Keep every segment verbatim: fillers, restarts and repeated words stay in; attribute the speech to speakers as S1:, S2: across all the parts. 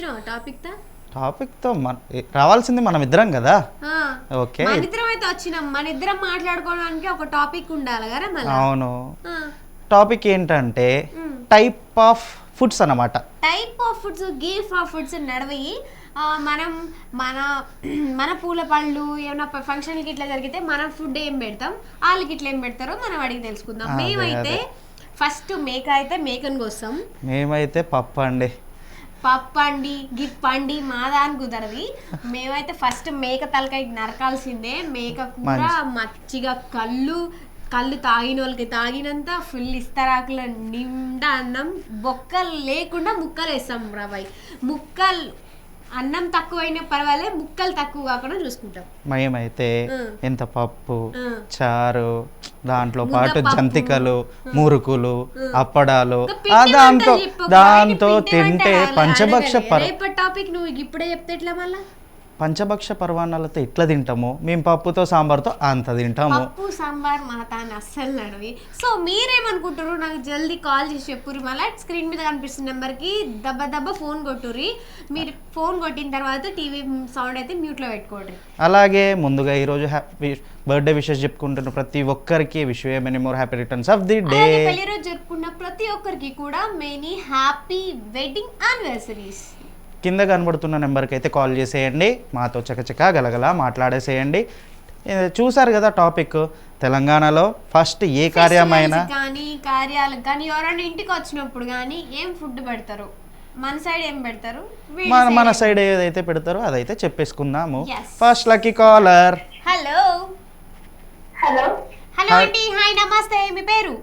S1: Topic తో
S2: topic తో మన రావాల్సింది మనం ఇద్దరం కదా. ఓకే,
S1: మన ఇద్దరం అయితే వచ్చినాం. మన ఇద్దరం మాట్లాడుకోవడానికి ఒక టాపిక్ ఉండాలి కదా మళ్ళీ.
S2: అవును, టాపిక్ ఏంటంటే టైప్ ఆఫ్ ఫుడ్స్ అన్నమాట.
S1: Type of foods, gift of foods నడవి. మనం మన మన పూల పళ్ళు ఏమైనా ఫంక్షన్కి ఇట్లా జరిగితే మనం ఫుడ్ ఏం పెడతాం, వాళ్ళకి ఇట్లా ఏం పెడతారో మనం అడిగి తెలుసుకుందాం. మేమైతే ఫస్ట్ మేక అయితే మేకను కోస్తాం.
S2: మేమైతే పప్పు అండి.
S1: పప్పు అండి గిప్ అండి మాదా అని కుదరది. మేమైతే ఫస్ట్ మేక తలకాయ నరకాల్సిందే. మేక కూర మచ్చిగా కళ్ళు కళ్ళు తాగిన వాళ్ళకి తాగినంత ఫుల్ ఇస్తరాకుల నిండా అన్నం, బొక్కలు లేకుండా ముక్కలు వేస్తాం రాబాయ్. ముక్కలు అన్నం తక్కువైనా పర్వాలే, ముక్కలు తక్కువ కాకుండా చూసుకుంటాం.
S2: మేమైతే ఎంత పప్పు చారు, దాంట్లో పాటు జంతికలు, మురుకులు, అప్పడాలు, దాంతో దాంతో తింటే పంచభక్ష పర్
S1: టాపిక్ నువ్వు ఇప్పుడే చెప్తే ఎట్లా మళ్ళా?
S2: పంచభక్ష పర్వాణాలతో ఇట్లా తింటాము మేము, పప్పుతో సాంబార్తో అంత తింటాము.
S1: పప్పు సాంబార్ మాతాన్ని అస్సలు నడవి. సో మీరేమనుకుంటారు నాకు జల్దీ కాల్ చేసి చెప్పుర్రి. మళ్ళీ స్క్రీన్ మీద కనిపిస్తున్న నెంబర్కి దెబ్బ దెబ్బ ఫోన్ కొట్టుర్రి. మీరు ఫోన్ కొట్టిన తర్వాత టీవీ సౌండ్ అయితే మ్యూట్లో పెట్టుకోండి.
S2: అలాగే ముందుగా ఈరోజు హ్యాపీ బర్త్డే విషెస్ చెప్పుకుంటున్న ప్రతి ఒక్కరికి wish you many more happy returns of the day.
S1: పెళ్లి రోజు జరుపుకున్న ప్రతి ఒక్కరికి కూడా మెనీ హ్యాపీ వెడ్డింగ్ యానివర్సరీస్.
S2: కింద కనబడుతున్న నెంబర్కి అయితే కాల్ చేసేయండి, మాతో చకచక గలగల మాట్లాడేసేయండి. చూసారు కదా టాపిక్, తెలంగాణలో ఫస్ట్ ఏ కార్యమైనా
S1: కానీ కార్యాలకు కానీ ఎవరైనా ఇంటికి వచ్చినప్పుడు కానీ ఏం ఫుడ్ పెడతారు, మన సైడ్ ఏం పెడతారు,
S2: మన మన సైడ్ ఏదైతే పెడతారో అదైతే చెప్పేసుకుందాము. First lucky caller.
S1: Hello hello hello అండి, హాయ్ నమస్తే, మీ పేరు?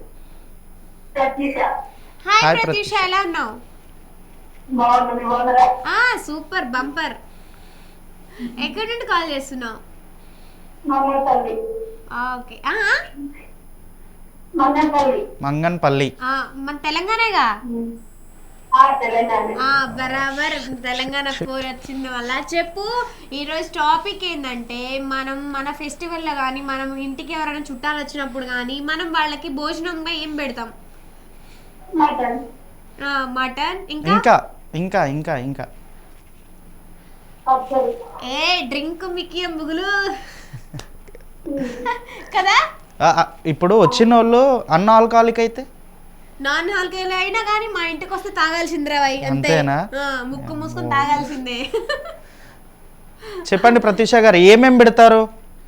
S1: హాయ్ ప్రత్యూష, ఎలా ఉన్నావు? Super bumper. ఎక్కడి నుండి కాల్ చేస్తున్నావు? ఓకే,
S2: మంగన్పల్లి.
S1: మన తెలంగాణగా? బరాబర్ తెలంగాణ కోర్ వచ్చింది వల్ల. చెప్పు, ఈరోజు టాపిక్ ఏంటంటే మనం మన ఫెస్టివల్లో కానీ మనం ఇంటికి ఎవరైనా చుట్టాలు వచ్చినప్పుడు కానీ మనం వాళ్ళకి భోజనంగా ఏం పెడతాం? మటన్. ఇంకా
S2: ఇంకా ఇంకా ఇంకా
S1: ఏ డ్రింక్ మిక్కి ముగులు కదా.
S2: ఇప్పుడు వచ్చిన వాళ్ళు అన్న ఆల్కహాలిక్ అయితే
S1: నాన్ ఆల్కహాలిక్ అయినా కానీ మా ఇంటికి వస్తే తాగాల్సిందిరా వై.
S2: అంతేనా?
S1: ముక్కు మూసుకొని తాగాల్సిందే.
S2: చెప్పండి ప్రత్యూష గారు, ఏమేం పెడతారు?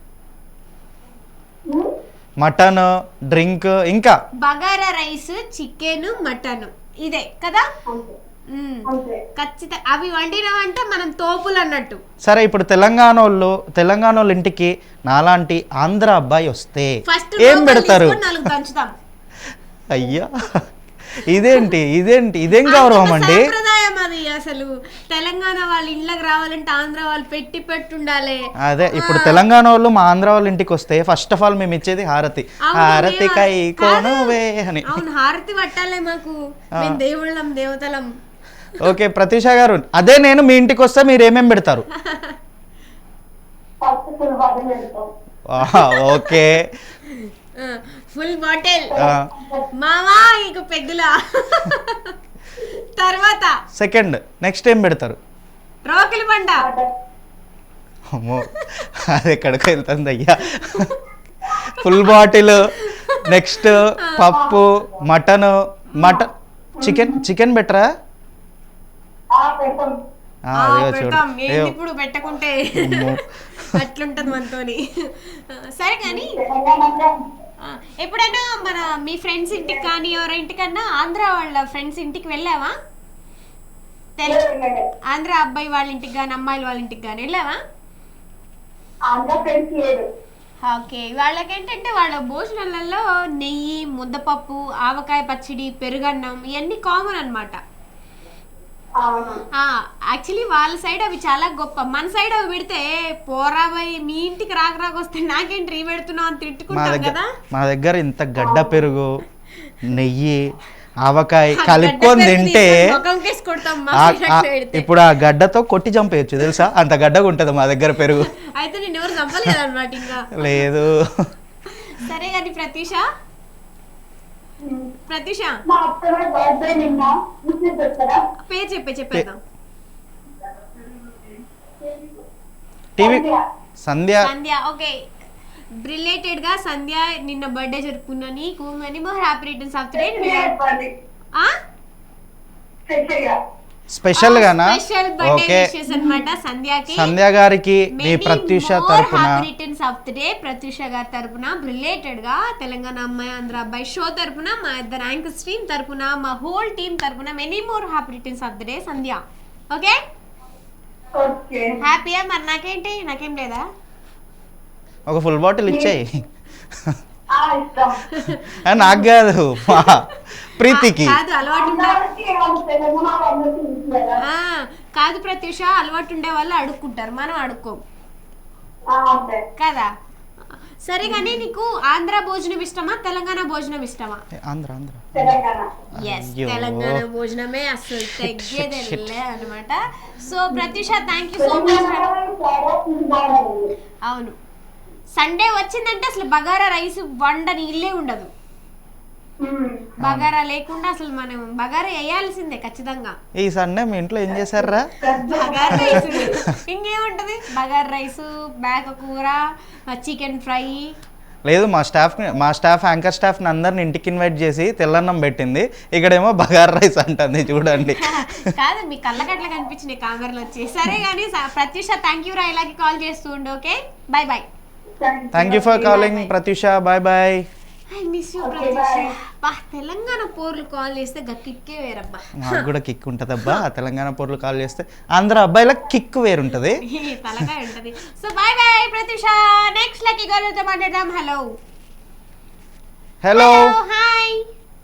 S2: మటన్, డ్రింక్, ఇంకా
S1: బగారా రైస్, చికెన్, మటన్, ఇదే కదా ఖచ్చితంగా. అవి వండినవంటే మనం తోపులు అన్నట్టు.
S2: సరే, ఇప్పుడు తెలంగాణ వాళ్ళు తెలంగాణ వాళ్ళ ఇంటికి నాలాంటి ఆంధ్ర అబ్బాయి వస్తే ఏం పెడతారు? అయ్యా, ఇదేంటి ఇదేంటి ఇదేం గౌరవం అండి?
S1: సంప్రదాయం అది. అసలు తెలంగాణ వాళ్ళ ఇళ్ళకి రావాలంటే ఆంధ్ర వాళ్ళు పెట్టి పెట్టుండాలి.
S2: అదే, ఇప్పుడు తెలంగాణ వాళ్ళు మా ఆంధ్ర వాళ్ళ ఇంటికి వస్తే ఫస్ట్ ఆఫ్ ఆల్ మేము ఇచ్చేది హారతి. హారతి కై కోనువే అని.
S1: అవును, హారతి పట్టాలే మాకు, మేము దేవుళ్ళం దేవతలం.
S2: ఓకే ప్రత్యూష గారు, అదే నేను మీ ఇంటికి వస్తే మీరు ఏమేం పెడతారు? ఓకే,
S1: ఫుల్ బాటిల్ మామా, ఇక పెద్దలా. తర్వాత
S2: సెకండ్ నెక్స్ట్ ఏం పెడతారు?
S1: రోకిలి పండ.
S2: అమ్మో, అది ఎక్కడికి వెళ్తుంది అయ్యా. ఫుల్ బాటిల్, నెక్స్ట్ పప్పు, మటన్ మటన్ చికెన్ చికెన్ బెటరా?
S1: ఇప్పుడు పెట్టుకుంటే అట్లుంటది మనతోని. సరే కానీ ఎప్పుడైనా మన మీ ఫ్రెండ్స్ ఇంటికి కానీ ఎవరి ఇంటికన్నా ఆంధ్ర వాళ్ళ ఫ్రెండ్స్ ఇంటికి వెళ్ళావా? ఆంధ్ర అబ్బాయి వాళ్ళ ఇంటికి కానీ అమ్మాయిల వాళ్ళ ఇంటికి కానీ వెళ్ళావా? ఓకే, వాళ్ళకి ఏంటంటే వాళ్ళ భోజనాలలో నెయ్యి, ముద్దపప్పు, ఆవకాయ పచ్చడి, పెరుగన్నం ఇవన్నీ కామన్ అనమాట. యాక్చువల్లీ వాళ్ళ సైడ్ అవి చాలా గొప్ప. మన సైడ్ అవి పెడితే పోరాబాయి మీ ఇంటికి రాక రాక వస్తే నాకేంటి రీ పెడుతున్నావు అని తిట్టుకుంటాం కదా.
S2: మా దగ్గర ఇంత గడ్డ పెరుగు, నెయ్యి, ఆవకాయ కలుపుకొని తింటే ఇప్పుడు ఆ గడ్డతో కొట్టి చంపేయచ్చు తెలుసా, అంత గడ్డగా ఉంటది మా దగ్గర పెరుగు.
S1: అయితే నేను ఎవరు చంపలేదు అనమాట ఇంకా.
S2: లేదు.
S1: సరే కానీ ప్రత్యూష ప్రత్యూష పేరు చెప్పే చెప్పేద్దాం.
S2: TV Sandhya
S1: Sandhya okay related గా సంధ్య నిన్న బర్త్డే జరుపుకున్నా నీకు many more happy returns of the day ఆ
S2: స్పెషల్ గానా
S1: స్పెషల్ బర్త్డే
S2: ఓకే
S1: విషెస్ అన్నమాట సంధ్యకి
S2: సంధ్య గారికి మీ ప్రత్యూష తరపున
S1: happy returns of the day Pratyusha గారి తరపున రిలేటెడ్ గా తెలంగాణ అమ్మాయి ఆంధ్ర అబ్బాయి షో తరపున మా ఇద్దరు యాంకర్స్ టీమ్ తరపున మా హోల్ టీమ్ తరపున many more happy returns of the day Sandhya okay
S3: okay
S1: హ్యాపీయా మరి నాకేంటి నాకేం లేదా
S2: ఒక ఫుల్ బాటిల్ ఇచ్చేయి
S3: ఆ ఇష్టం
S2: ఆ, నాకు కాదు మా ప్రీతికి
S1: కాదు అలవాటు ఉండే
S3: అందరికీ ఏమన్నా తెలంగాణ అందరికీ ఇచ్చేదా?
S1: ఆ, కాదు ప్రత్యూష అలవాటు ఉండే వాళ్ళు అడుక్కుంటారు మనం అడుక్కోం
S3: ఆ, అంతే.
S1: కదా సరే కానీ నీకు ఆంధ్ర భోజనం ఇష్టమా తెలంగాణ భోజనం ఇష్టమా
S2: ఆంధ్ర ఆంధ్ర
S3: తెలంగాణ
S1: ఎస్
S2: అయ్యో.
S1: తెలంగాణ భోజనమే అసలు తగ్గేదే అనమాట so Pratyusha thank you so much
S3: తెలంగాణలో చాలా ఫుడ్ బాగుంది.
S1: అవును సండే వచ్చిందంటే అసలు బగారా రైస్ వండని ఇల్లే ఉండదు
S3: మ్మ్.
S1: బగారా లేకుండా అసలు మనం బగారా వేయాల్సిందే ఖచ్చితంగా
S2: ఈ సండే మీ ఇంట్లో ఏం చేశారా
S1: బగారా రైస్ ఇంకేముంటది బగారా రైస్ మేక కూర చికెన్ ఫ్రై
S2: లేదు మా స్టాఫ్ మా స్టాఫ్ యాంకర్ స్టాఫ్ని అందరిని ఇంటికి ఇన్వైట్ చేసి తెల్లన్నం పెట్టింది ఇక్కడేమో బగార్ రైస్ అంటుంది చూడండి
S1: కాదు మీ కళ్ళకట్ల కనిపించినాయి కామెరలు వచ్చి సరే కానీ ప్రత్యూష థ్యాంక్ యూ రా ఇలాగే కాల్ చేస్తూ ఉండు okay bye bye
S2: thank you for calling Pratyusha bye bye
S1: I miss you
S3: Okay,
S1: Pratyusha
S3: bye.
S1: బా తెలంగాణ పోర్లు కాల్ చేస్తే గక్కిక్కే వేరబ్బా
S2: నాకు కూడా కిక్ ఉంటుందబ్బా తెలంగాణ పొరలు కాల్ చేస్తే ఆంధ్ర అబ్బాయిలకు కిక్ వేరుంటుంది
S1: ఈ తలకాయ ఉంటది so bye bye Pratyusha next lucky గోల్తో మాట్లాడదాం హలో
S2: హలో
S1: హాయ్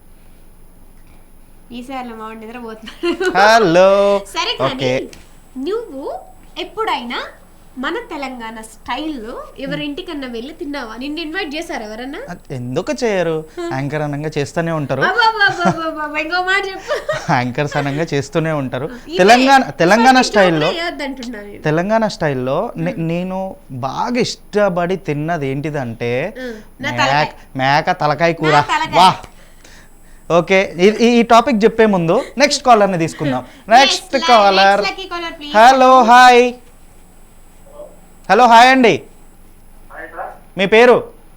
S1: ఈసారి మా వాడు నిద్రపోతున్నాడు
S2: హలో
S1: సరే కానీ
S2: ఓకే
S1: నువ్వు ఎప్పుడైనా మన తెలంగాణ స్టైల్లో ఎవరింటికన్నా వెళ్ళి తిన్నావా నిన్ను ఇన్వైట్ చేశారు ఎవరన్నా
S2: ఎందుకు చేయరు యాంకర్ అనంగా చేస్తూనే ఉంటారు
S1: అబ్బబ్బబ్బబ్బబ్బ, ఇంకో మాట చెప్పు
S2: యాంకర్స్ అనంగా చేస్తూనే ఉంటారు తెలంగాణ తెలంగాణ స్టైల్లో
S1: అంటున్నా నేను
S2: తెలంగాణ స్టైల్లో నే- నేను బాగా ఇష్టపడి తిన్నది ఏంటిదంటే
S1: ఉం, నా తలకాయ.
S2: మేక మేక తలకాయ కూర
S1: నా తలకాయ.
S2: వా ఓకే ఈ- ఈ టాపిక్ చెప్పే ముందు నెక్స్ట్ కాలర్ని తీసుకుందాం next
S1: Yes,
S2: caller
S1: next lucky caller, please.
S2: Hello hi hello hi అండి మీ పేరు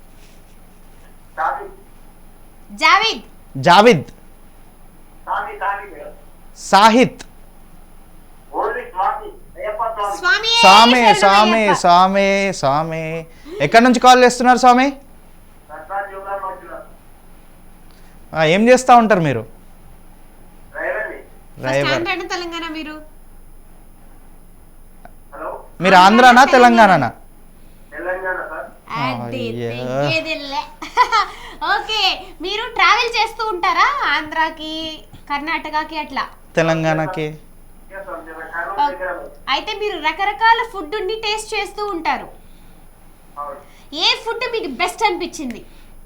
S1: జావేద్
S2: జావిద్ సాహిత్
S1: స్వామి
S2: స్వామి స్వామి స్వామి స్వామి ఎక్కడి నుంచి కాల్ చేస్తున్నారు స్వామి ఆ, ఏం చేస్తూ ఉంటారు మీరు డ్రైవర్
S1: తెలంగాణ మీరు
S2: మీరు ఆంధ్రానా తెలంగాణనా
S1: అదే,
S2: అయ్యో.
S1: తెగ్గేదిలే. ఓకే మీరు ట్రావెల్ చేస్తూ ఉంటారా ఆంధ్రాకి కర్ణాటకకి అట్లా
S2: తెలంగాణకి
S1: అయితే మీరు రకరకాల ఫుడ్ ని టేస్ట్ చేస్తూ ఉంటారు ఏ ఫుడ్ మీకు బెస్ట్ అనిపించింది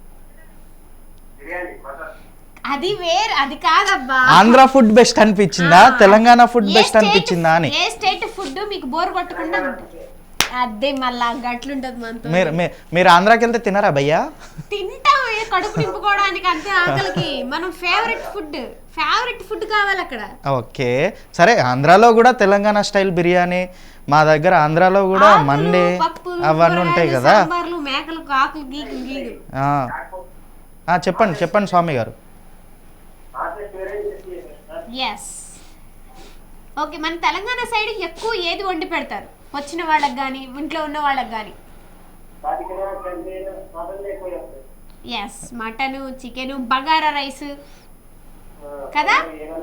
S1: అది వేరే అది కాదబ్బా
S2: ఆంధ్ర ఫుడ్ బెస్ట్ అనిపించిందా
S1: ఆ.
S2: తెలంగాణ ఫుడ్
S1: ఏ
S2: బెస్ట్
S1: స్టేట్-
S2: అనిపించిందా అని
S1: ఏ స్టేట్ ఫుడ్ మీకు బోర్ కొట్టకుండా ఉంటుంది అదే మళ్ళా గట్లుంటది మనతో
S2: మీరు మీ- మీరు ఆంధ్రాకి వెళ్తే తినరా భయ్యా
S1: తింటాం ఏ కడుపు నింపుకోవడానికి అంతే ఆకలికి మనం ఫేవరెట్ ఫుడ్ ఫేవరెట్ ఫుడ్ కావాలి అక్కడ
S2: ఓకే సరే ఆంధ్రాలో కూడా తెలంగాణ స్టైల్ బిర్యానీ మా దగ్గర ఆంధ్రాలో కూడా
S1: ఆకులు,
S2: మండే
S1: పప్పులు,
S2: అవన్నీ ఉంటాయి
S1: కూరగాయలు,
S2: కదా
S1: సాంబార్లు మేకలు ఆకులు గీకులు గీకులు
S2: ఆ. ఆ, చెప్పండి చెప్పండి స్వామి గారు
S1: ఎస్ ఓకే మన తెలంగాణ సైడ్ ఎక్కువ ఏది వండి పెడతారు వచ్చిన వాళ్ళకి కానీ ఇంట్లో ఉన్న వాళ్ళకి కానీ yes mutton chicken bagara rice కదా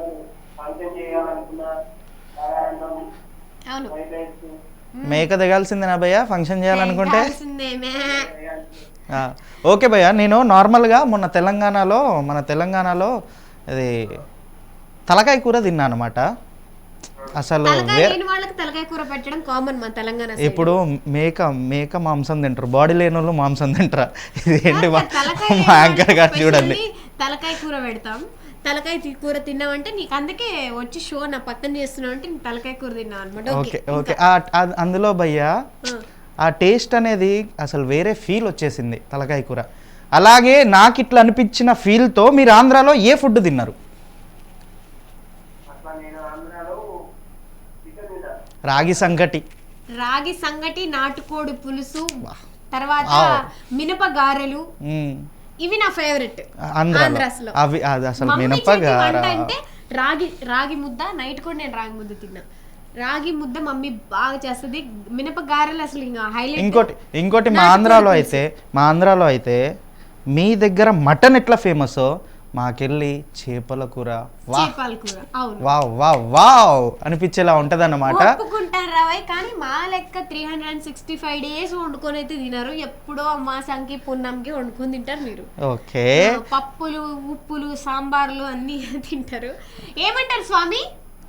S1: అవును
S2: మేక దిగాల్సిందేనా భయ్యా ఫంక్షన్ చేయాలనుకుంటే
S1: కావాల్సిందే మే.
S2: ఆ, ఓకే భయ్య నేను నార్మల్గా మొన్న తెలంగాణలో మన తెలంగాణలో ఇది తలకాయ కూర తిన్నా అనమాట అసలు
S1: తలకాయ
S2: వే-
S1: లేని వాళ్ళకి తలకాయ కూర పెట్టడం కామన్ మన తెలంగాణ side.
S2: ఇప్పుడు మేక మేక మాంసం తింటారు బాడీ లేని వాళ్ళు మాంసం తింటారా ఇది ఏంటి మా
S1: తలకాయ లేని
S2: మా యాంకర్ గారు
S1: వాళ్ళకి
S2: చూడండి
S1: especially తలకాయ కూర పెడతాం తలకాయ తి- కూర తిన్నావంటే నీకు అందుకే వచ్చి షో నా పక్కన చేస్తున్నావు అంటే నీకు తలకాయ కూర తిన్నావు అనమాట
S2: ఓకే ఓకే ఆ- ఆ- అందులో భయ్యా ఆ టేస్ట్ అనేది అసలు వేరే ఫీల్ వచ్చేసింది తలకాయ కూర అలాగే నాకు ఇట్లా అనిపించిన ఫీల్తో మీరు ఆంధ్రాలో ఏ ఫుడ్ తిన్నారు రాగి సంగటి
S1: రాగి సంగటి, నాటుకోడి పులుసు, తర్వాత
S2: Wow.
S1: మినప గారెలు,
S2: మ్మ్.
S1: ఇవి నా ఫేవరెట్.
S2: ఆంధ్రాలో
S1: ఆంధ్రాస్లో
S2: అవి అది అసలు
S1: మమ్మీ చేతి
S2: మినపగార
S1: వంట అంటే రాగి రాగి ముద్ద. నైట్ కూడా నేను రాగి ముద్ద తిన్నా. రాగి ముద్ద మమ్మీ బాగా చేస్తుంది. మినప గారెలు అసలు ఇంకా హైలైట్.
S2: ఇంకోటి ఇంకోటి మా ఆంధ్రాలో అయితే మా ఆంధ్రాలో అయితే మీ దగ్గర మటన్ ఎట్లా ఫేమస్, మాకెళ్ళి చేపల కూర వా
S1: చేపల కూర. అవును,
S2: వావ్ వావ్ వావ్ అనిపించేలా ఉంటది అన్నమాట.
S1: ఒప్పుకుంటాను రావయ్, కానీ మా లెక్క three hundred and sixty five days వండుకొని అయితే తినరు. ఎప్పుడో అమాసంకి పున్నంకి వండుకొని తింటారు మీరు.
S2: ఓకే,
S1: ఆ, పప్పులు, ఉప్పులు, సాంబార్లు అన్ని తింటారు. ఏమంటారు స్వామి?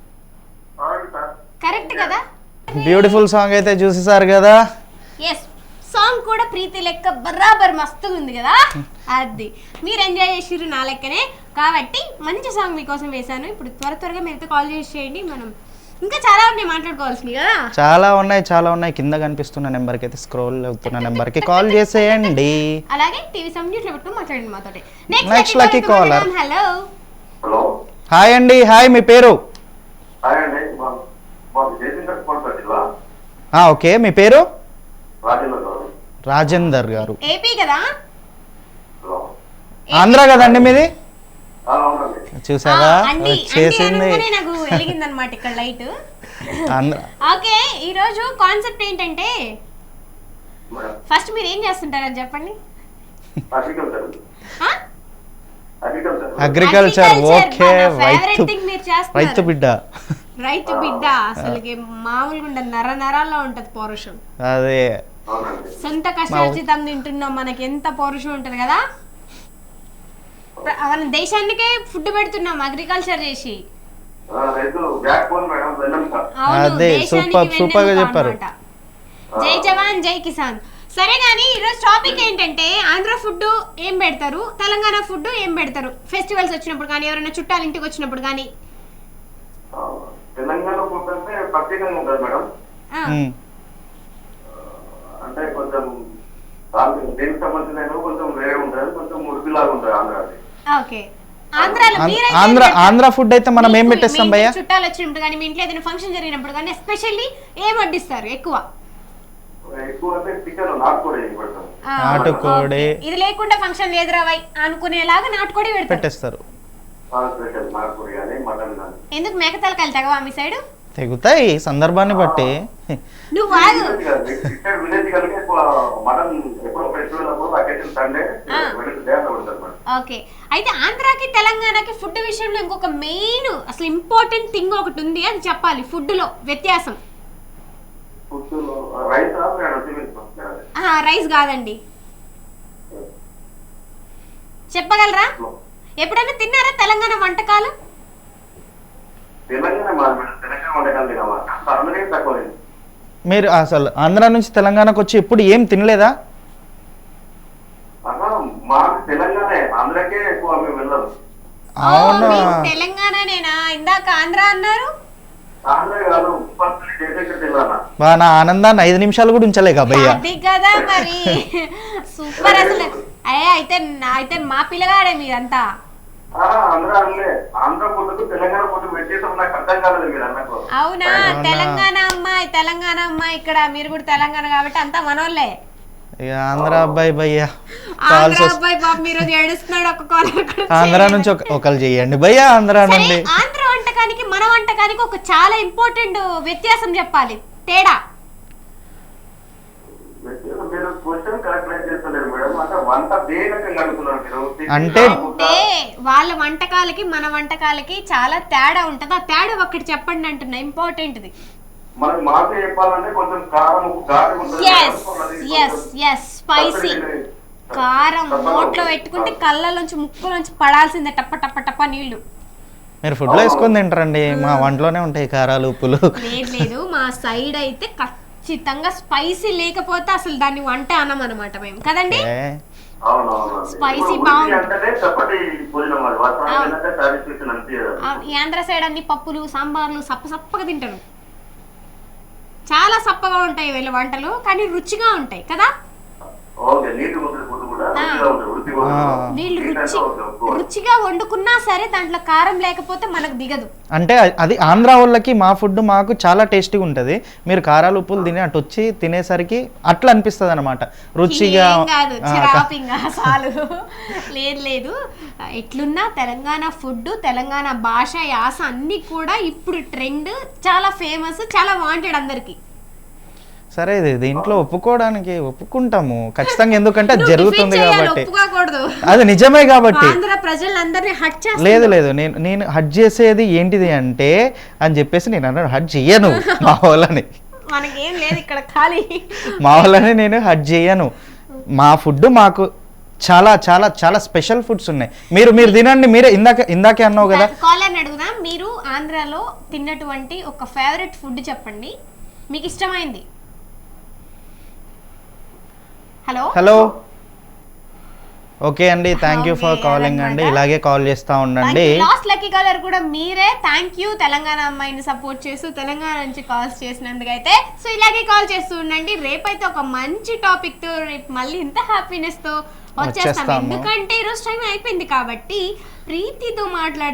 S1: కరెక్ట్ కదా?
S2: బ్యూటిఫుల్ సాంగ్ అయితే చూసేసారు కదా.
S1: ఎస్, సాంగ్ కూడా ప్రీతి లెక్క బరాబర్ మస్తుగా ఉంది కదా. అది మీరు ఎంజాయ్ చేసిర్రు నా లెక్కనే, కాబట్టి మంచి సాంగ్ మీకోసం వేశాను. ఇప్పుడు త్వర త్వరగా మీరైతే కాల్ చేసి చేయండి. మనం ఇంకా చాలా ఉన్నాయి మాట్లాడుకోవాల్సినవి కదా.
S2: చాలా ఉన్నాయి చాలా ఉన్నాయి కింద కనిపిస్తున్న నెంబర్కి అయితే స్క్రోల్ అవుతున్న నెంబర్కి కాల్ చేసేయండి.
S1: అలాగే టీవీ సౌండ్ మ్యూట్లో పెట్టుకొని మాట్లాడండి మాతోటి.
S2: Next lucky caller.
S1: Hello
S4: hello
S2: hi అండి. హాయ్, మీ పేరు?
S4: హాయ్ అండి, మా- మాకు జయశంకర్ స్పాన్సర్ జిల్లా
S2: ఆ, ఓకే, మీ పేరు?
S4: రాజేంద్ర గారు.
S2: రాజేందర్ గారు.
S1: ఏపీ కదా?
S4: హలో
S2: ఆంధ్ర కదండి మీది?
S4: ఆ, అవునండి.
S2: చూసారా
S1: ఆ, అండి, అండి
S2: వచ్చేసింది.
S1: అనగానే నాకు వెలిగిందనమాట ఇక్కడ లైట్.
S2: ఆంధ్ర.
S1: ఓకే, ఈరోజు కాన్సెప్ట్ ఏంటంటే,
S4: మేడం
S1: ఫస్ట్ మీరు ఏం చేస్తుంటారు అది చెప్పండి.
S4: అగ్రికల్చర్
S1: ఆ?
S4: Agriculture
S2: agriculture.
S1: Agriculture
S2: ఓకే,
S1: మన favorite
S2: రైతు
S1: thing మీరు చేస్తున్నారు.
S2: రైతు బిడ్డ.
S1: రైతు బిడ్డ అసలుకి మామూలుగా ఉండదు, నర నరాల్లో ఉంటది పౌరుషం.
S2: అదే
S4: అవునండి.
S1: సొంత కష్టార్జితం తింటున్నాం, మనకి ఎంత పౌరుషం ఉంటది కదా. ప్ర- మన దేశానికే ఫుడ్ పెడుతున్నాం అగ్రికల్చర్ చేసి.
S4: ఆ, రైతు బ్యాక్ బోన్ మేడం, వెన్నెముక.
S1: అవును,
S2: అదే,
S1: దేశానికి
S2: సూపర్, సూపర్ గా
S1: వెన్నెముక
S2: చెప్పారు.
S1: అన్నమాట. జై జవాన్ జై కిసాన్. సరే కానీ ఈరోజు టాపిక్ ఏంటంటే, ఆంధ్ర ఫుడ్ ఏం పెడతారు, తెలంగాణ ఫుడ్ ఏం పెడతారు ఫెస్టివల్స్ వచ్చినప్పుడు కానీ, ఎవరైనా చుట్టాలు ఇంటికి వచ్చినప్పుడు కానీ.
S4: ఆ, తెలంగాణ ఫుడ్ అంటే ప్రత్యేకంగా ఉంటుంది మేడం.
S1: ఆ,
S2: ఉమ్.
S4: అంటే కొంచెం దానికి దేనికి సంబంధించిన కొంచెం వేరే ఉంటుంది, కొంచెం మురిపిలాగా ఉంటుంది ఆంధ్రాది.
S1: ఓకే. ఆంధ్రాలో
S2: ఆంధ్ర-
S1: మీరైతే
S2: ఆంధ్ర
S1: ఏం పెడతారు?
S2: ఆంధ్ర ఫుడ్ అయితే మనం ఏం
S1: మీకు-
S2: పెట్టేస్తాం
S1: మీ
S2: భయ్యా?
S1: ఇంటికి చుట్టాలు వచ్చినప్పుడు కానీ, మీ ఇంట్లో ఏదైనా ఫంక్షన్ జరిగినప్పుడు కానీ ఎస్పెషల్లీ ఏం వడ్డిస్తారు ఎక్కువ?
S4: ఎక్కువ అంటే చికెన్ నాటుకోడి పెడతాం.
S1: ఆ,
S2: నాటుకోడి.
S1: ఓకే. ఇది లేకుండా ఫంక్షన్ లేదు రావై అనుకునేలాగా నాటుకోడి పెడతారు.
S2: పెట్టేస్తారు.
S4: స్పెషల్ నాటుకోడి కానీ మటన్ కానీ.
S1: ఎందుకు మేక తలకాయలు తగవా మీ సైడ్?
S2: తెగుతాయి సందర్భాన్ని బట్టి.
S1: నువ్వు వాగు.
S4: విలేజ్ కలిగి ఎక్కువ మటన్ ఎప్పుడో ఫెస్టివల్ అప్పుడు అకేషన్ సండే
S1: ఆ.
S4: వెనస్డే అట్లా ఉంటుంది మేడం.
S1: ఓకే, అయితే ఆంధ్రాకి తెలంగాణకి ఫుడ్ విషయంలో ఇంకొక మెయిన్ అసలు ఇంపార్టెంట్ థింగ్ ఒకటి ఉంది, అది చెప్పాలి. ఫుడ్ లో వ్యత్యాసం.
S4: ఫుడ్ రైస్ మేడం,
S1: ఆహా, రైస్ కాదండి. చెప్పగలరా? ఎప్పుడైనా తిన్నారా తెలంగాణ వంటకాలు?
S4: తెలంగాణ మాది మేడం, తెలంగాణ వంటకాలు తినమా అందరికీ తక్కువ లేదు.
S2: మీరు అసలు ఆంధ్ర నుంచి తెలంగాణకు వచ్చి ఎప్పుడు ఏం తినలేదా?
S4: అన్నా మాకు తెలంగాణ ఆంధ్రకే ఎక్కువ మేము వెళ్ళదు.
S1: ఓ,
S2: అవునా?
S1: మీకు తెలంగాణనేనా? ఇందాక ఆంధ్ర అన్నారు.
S4: ఆంధ్ర కాదు, ఉప్పల్లి జయశంకర్ జిల్లా.
S2: బా, నా ఆనందాన్ని ఐదు నిమిషాలు కూడా ఉంచలేక భయ్యా.
S1: అది కదా మరి. సూపర్ అసలు. అయ్యా, అయితే నా- అయితే మా పిల్లగాడే మీరంతా.
S4: ఆంధ్ర అనలే, ఆంధ్ర ఫుడ్కు తెలంగాణ ఫుడ్ వ్యత్యాసం నాకు అర్థం కాలేదు మీరు అన్నకు.
S1: అవునా? తెలంగాణ అమ్మాయి, తెలంగాణ అమ్మాయి ఇక్కడ, మీరు కూడా తెలంగాణ కాబట్టి అంతా మనోళ్ళే.
S2: ఇక ఆంధ్ర అబ్బాయి భయ్యా
S1: ఆంధ్ర
S2: కాల్స్ వస్తే
S1: అబ్బాయి బాబు మీరు ఏడుస్తున్నాడు. ఒక కాలర్
S2: ఆంధ్ర నుంచి ఒక- ఒకరు చెయ్యండి భయ్యా. ఆంధ్ర నుండి
S1: ఆంధ్ర వంటకానికి మన వంటకానికి ఒక చాలా ఇంపార్టెంట్ వ్యత్యాసం చెప్పాలి, తేడా.
S4: మీరు క్వశ్చన్ కరెక్ట్ చేస్తలేరు మేడం. అంటే వంట దేనికంగా అడుగుతున్నారు మీరు?
S2: అంటే-
S1: అంటే వాళ్ళ వంటకాలకి మన వంటకాలకి చాలా తేడా ఉంటది. ఆ తేడా ఒకటి చెప్పండి అంటున్నా, ఇంపార్టెంట్ది.
S4: మనకి మాకు చెప్పాలంటే కొంచెం కారం ఉప్పు ఘాటు ఉంటుంది.
S1: Yes yes yes spicy. కారం నోట్లో పెట్టుకుంటే కళ్ళలోంచి ముక్కులోంచి పడాల్సిందే, టప్ప టప్ప టప్ప నీళ్లు.
S2: మీరు ఫుడ్లో వేసుకొని తింటారండి, మా వంటలోనే ఉంటాయి కారాలు ఉప్పులు.
S1: లేదు లేదు, మా సైడ్ అయితే ఖచ్చితంగా స్పైసీ లేకపోతే అసలు దాన్ని వంట అనం అనమాట మేము, కదండి?
S2: ఏ,
S4: అవునవును.
S1: Spicy
S4: ఇప్పుడు
S1: బాగుంది.
S4: అంటేనే చప్పటి భోజనం అది. వాస్తవానికి
S1: అవును.
S4: ఏంటంటే సాటిస్ఫాక్షన్ అనిపించదు.
S1: ఆ, ఈ ఆంధ్ర సైడ్ అన్ని పప్పులు సాంబార్లు సప్ప సప్పగా తింటారు. చాలా సప్పగా ఉంటాయి వీళ్ళ వంటలు, కానీ రుచిగా ఉంటాయి కదా.
S4: ఓకే, నీటి ముద్ర ఫుడ్ కూడా కూడా రుచిగా ఉంటుంది, రుచిగా
S2: ఆ.
S4: ఉంటుంది.
S1: వీళ్ళు
S4: ఏంటంటే
S1: రుచి
S4: ఒక- ఒక-
S1: రుచిగా వండుకున్నా సరే దాంట్లో కారం లేకపోతే మనకు దిగదు.
S2: అంటే అది ఆంధ్ర వాళ్ళకి మా ఫుడ్ మాకు చాలా టేస్టీగా ఉంటుంది. మీరు కారాలు ఉప్పులు తిని అటు వచ్చి తినేసరికి అట్లా అనిపిస్తుంది అనమాట రుచిగా.
S1: ఏం కాదు
S2: ఆ,
S1: చిరాపింగా చాలు. లేదు లేదు ఎట్లున్నా తెలంగాణ ఫుడ్, తెలంగాణ భాష, యాస అన్ని కూడా ఇప్పుడు ట్రెండ్, చాలా ఫేమస్, చాలా వాంటెడ్ అందరికి.
S2: సరే ఇది దీంట్లో ఒప్పుకోవడానికి ఒప్పుకుంటాము ఖచ్చితంగా, ఎందుకంటే అది
S1: నువ్వు
S2: జరుగుతుంది
S1: defend చేయాలి,
S2: కాబట్టి.
S1: ఒప్పుకోకూడదు.
S2: అది నిజమే కాబట్టి.
S1: ఆంధ్ర ప్రజలందరినీ హట్ చేస్తా.
S2: లేదు లేదు నేను నేను హట్ చేసేది ఏంటిది అంటే అని చెప్పేసి నేను అన్నాను, హట్ చేయను మా వాళ్ళని,
S1: మనకేం లేదు ఇక్కడ ఖాళీ.
S2: మా వాళ్ళని నేను హట్ చేయను. మా ఫుడ్ మాకు చాలా చాలా చాలా స్పెషల్ ఫుడ్స్ ఉన్నాయి. మీరు మీరు తినండి, మీరే ఇందాక ఇందాకే అన్నావు కదా.
S1: కాలర్ని అడుగుదాం, మీరు ఆంధ్రాలో తిన్నటువంటి ఒక ఫేవరెట్ ఫుడ్ చెప్పండి, మీకు ఇష్టమైంది. హలో
S2: హలో ఓకే అండి, thank you for
S1: Okay,
S2: calling అండి,
S1: అదన్నమాట.
S2: ఇలాగే కాల్ చేస్తూ ఉండండి.
S1: లాస్ట్ లక్కీ కాలర్ కూడా మీరే. థ్యాంక్ యూ తెలంగాణ అమ్మాయిని సపోర్ట్ చేస్తూ తెలంగాణ నుంచి కాల్స్ చేసినందుకు అయితే. సో ఇలాగే కాల్ చేస్తూ ఉండండి. రేపైతే ఒక మంచి టాపిక్ తో రేపు మళ్ళీ ఇంత హ్యాపీనెస్ తో వచ్చేస్తాం.
S2: వచ్చేస్తాము.
S1: ఎందుకంటే ఈరోజు టైం అయిపోయింది కాబట్టి ప్రీతితో మాట్లాడి